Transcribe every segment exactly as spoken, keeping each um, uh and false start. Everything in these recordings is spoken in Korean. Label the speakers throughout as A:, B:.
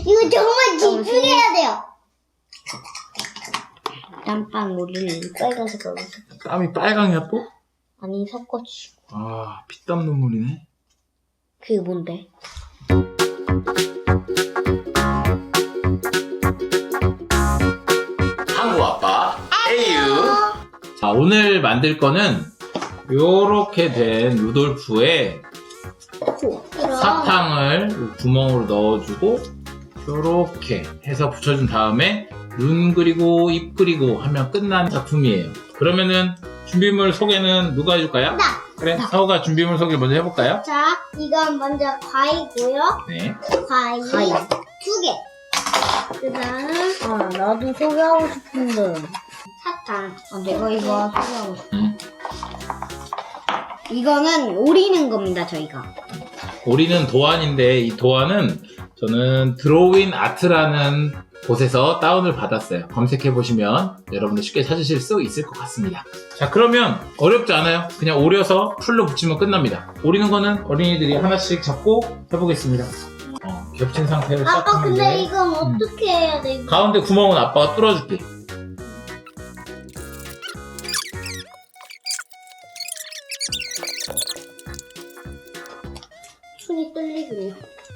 A: 이거 정말 집중해야 돼요. 땀빵 우리를 빨간색으로 섞어.
B: 땀이 빨강이야 또?
A: 아니 섞어주고.
B: 아, 피땀 눈물이네.
A: 그게 뭔데?
B: 한국 아빠 에이유. 자, 오늘 만들 거는 요렇게 된 루돌프에 사탕을 구멍으로 넣어주고 요렇게 해서 붙여준 다음에 눈 그리고 입 그리고 하면 끝난 작품이에요. 그러면은 준비물 소개는 누가 해줄까요?
A: 나!
B: 그래, 서우가 준비물 소개 먼저 해볼까요?
A: 자, 이건 먼저 과일고요.
B: 네.
A: 과일,
C: 과일.
A: 두 개. 그 다음
C: 아, 나도 소개하고 싶은데.
A: 사탕.
C: 아, 내가 이거 소개하고 싶어.
B: 음.
A: 이거는 오리는 겁니다, 저희가.
B: 오리는 도안인데 이 도안은 저는 드로우인 아트라는 곳에서 다운을 받았어요. 검색해보시면 여러분들 쉽게 찾으실 수 있을 것 같습니다. 자, 그러면 어렵지 않아요. 그냥 오려서 풀로 붙이면 끝납니다. 오리는 거는 어린이들이 하나씩 잡고 해보겠습니다. 어, 겹친 상태로
A: 아빠,
B: 시작하면
A: 근데
B: 돼.
A: 이건 어떻게 해야 돼? 이거?
B: 가운데 구멍은 아빠가 뚫어줄게.
A: 손이 떨리군요.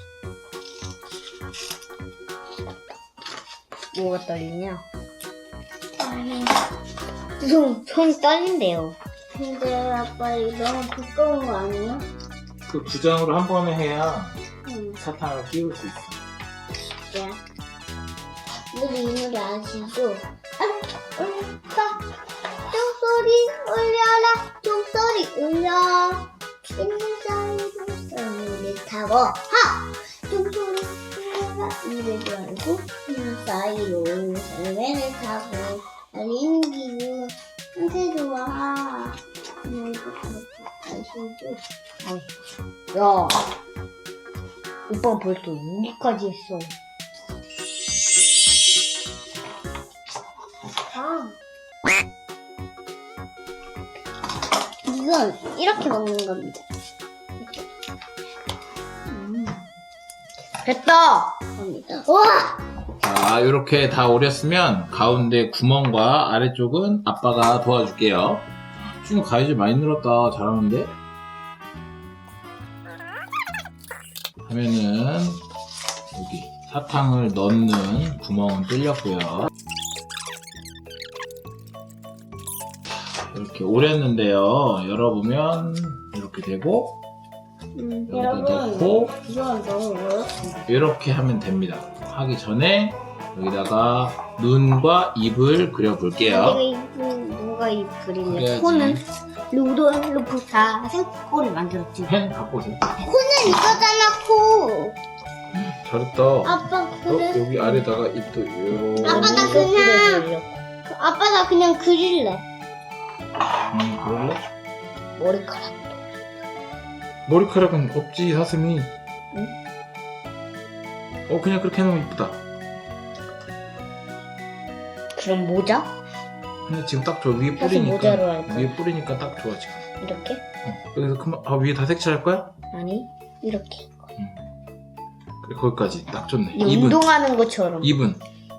C: 뭐가 떨리냐?
A: 아니,
C: 손, 손 떨린대요.
A: 근데 아빠 이거 너무 두꺼운 거 아니야?
B: 그 구장으로 한 번에 해야
A: 응,
B: 사탕을 끼울 수 있어.
A: 야. 우리 이 노래 아시죠? 아, 울까? 종소리 울려라, 종소리 울려. 있는 사이로 썰매를 타고, 하! 종소리 울려라, 이래도 알고, 있는 사이로 썰매를 타고, 달리는 기분, 한테 좋아. 이거 아시죠?
C: 야, 오빠 벌써 여기까지 했어.
A: 아. 이건 이렇게 먹는 겁니다.
C: 음. 됐다!
A: 겁니다. 와!
B: 자, 이렇게 다 오렸으면 가운데 구멍과 아래쪽은 아빠가 도와줄게요. 준우 가위질 많이 늘었다. 잘하는데? 하면은 여기 사탕을 넣는 구멍은 뚫렸고요. 이렇게 오렸는데요. 열어보면 이렇게 되고
A: 음,
B: 여기다
A: 여러분,
B: 넣고
A: 이건 너무 어렵습니다.
B: 이렇게 하면 됩니다. 하기 전에 여기다가 눈과 입을 그려볼게요.
A: 내가 입은 누가 입 그리냐?
B: 그래야지.
A: 코는 루돌프 사슴 코를 만들었지.
B: 펜 갖고 오세요.
A: 코는 이거잖아, 코.
B: 잘했다.
A: 아빠
B: 어,
A: 그래?
B: 여기 아래다가 입도 요.
A: 아빠 나 그냥 아빠 나 그냥 그릴래.
B: 음, 그럴래?
A: 머리카락.
B: 머리카락은 없지, 사슴이. 어, 그냥 그렇게 해놓으면 이쁘다.
C: 그럼 모자?
B: 근데 지금 딱 저 위에
C: 사슴
B: 뿌리니까.
C: 모자로 할까?
B: 위에 뿌리니까 딱 좋아, 지금.
C: 이렇게?
B: 어, 그래서 그만, 아, 위에 다 색칠할 거야?
C: 아니, 이렇게.
B: 그래, 거기까지. 딱 좋네.
C: 이
B: 입은.
C: 운동하는 것처럼.
B: 입은.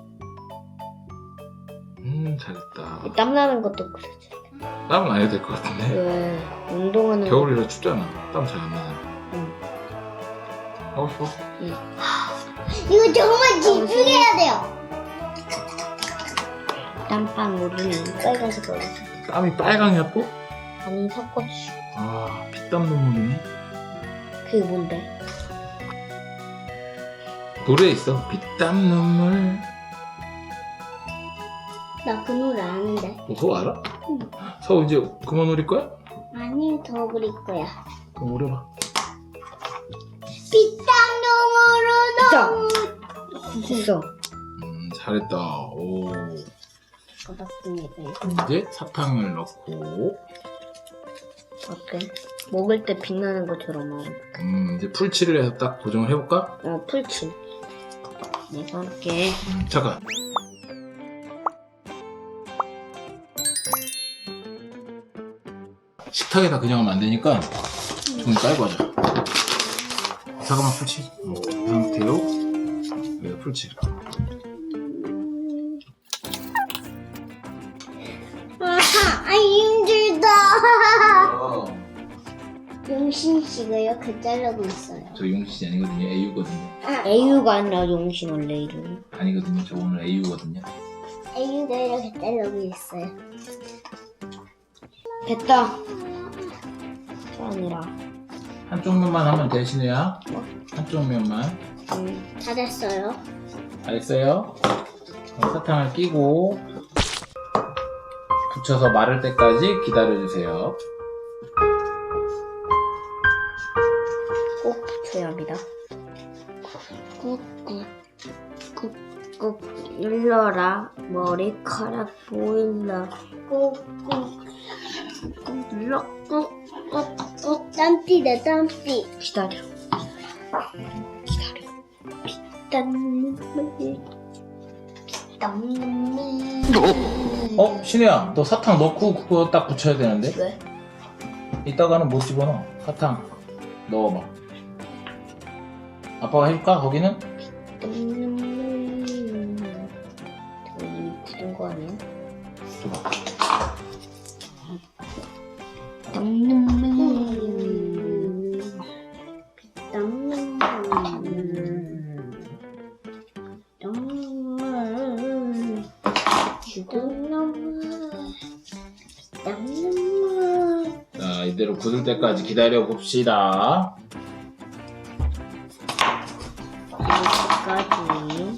B: 음, 잘했다.
C: 땀나는 것도 그러지.
B: 땀은 안 해도 될 것 같은데.
C: 왜? 운동하는
B: 겨울이라 춥잖아. 땀 잘 안 나잖아.
C: 응.
B: 하고 싶어?
A: 이거 정말 집중해야 돼요.
C: 땀빵 우리는 빨간색으로 섞어.
B: 땀이 빨강이야 또?
C: 아니, 섞어주고.
B: 아, 피땀 눈물이네.
C: 그게 뭔데?
B: 노래 있어. 피땀 눈물.
A: 나 그 노래 아는데.
B: 너 서우 알아? 응. 서우 이제 그만 오릴 거야?
A: 아니 더 그릴 거야.
B: 그럼 오려봐.
A: 피땀 눈물로 너무
C: 됐어.
B: 음, 잘했다. 오.
A: 고맙습니다.
B: 이제 사탕을 넣고,
C: 어때? 먹을 때 빛나는 것처럼.
B: 음, 이제 풀칠을 해서 딱 고정을 해볼까?
C: 어, 풀칠. 내가 할게.
B: 음, 잠깐. 식탁에다 그냥 하면 안 되니까 좀 깔고 하자. 잠깐만 풀치. 어, 이 상태로 이거 풀칠.
A: 아하, 아 힘들다.
B: 어.
A: 용신 씨가 이렇게 자르고 있어요.
B: 저 용신이 아니거든요. 에이유거든요.
C: 에이유가 아니라 용신 원래 이름.
B: 아니거든요. 저 오늘 에이유거든요.
A: 애기가 이렇게 자르고 있어요.
C: 됐다. 저 아니라.
B: 한쪽 면만 하면 돼, 신우야.
C: 뭐?
B: 한쪽 면만.
C: 음,
A: 다 됐어요.
B: 알겠어요? 그럼 사탕을 끼고 붙여서 마를 때까지 기다려주세요.
C: 꼭 붙여야 합니다.
A: 꾹꾹.
C: 꾹꾹 눌러라. 머리카락 보인다.
A: 꾹꾹.
C: 꾹 눌러.
A: 꾹꾹꾹. 땀띠다 땀띠.
C: 기다려. 기다려. 땀
A: 땀.
B: 어? 신우야, 너 사탕 넣고 그거 딱 붙여야 되는데?
C: 왜?
B: 이따가는 못 집어넣어. 사탕 넣어봐. 아빠가 해줄까? 거기는?
C: 땀 저거 이미 굳은 거 아니야?
B: 줘봐.
C: 땀
B: 자, 이대로 굳을 때까지 기다려 봅시다.
C: 여기까지.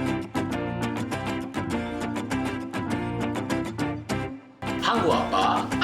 B: 한국 아빠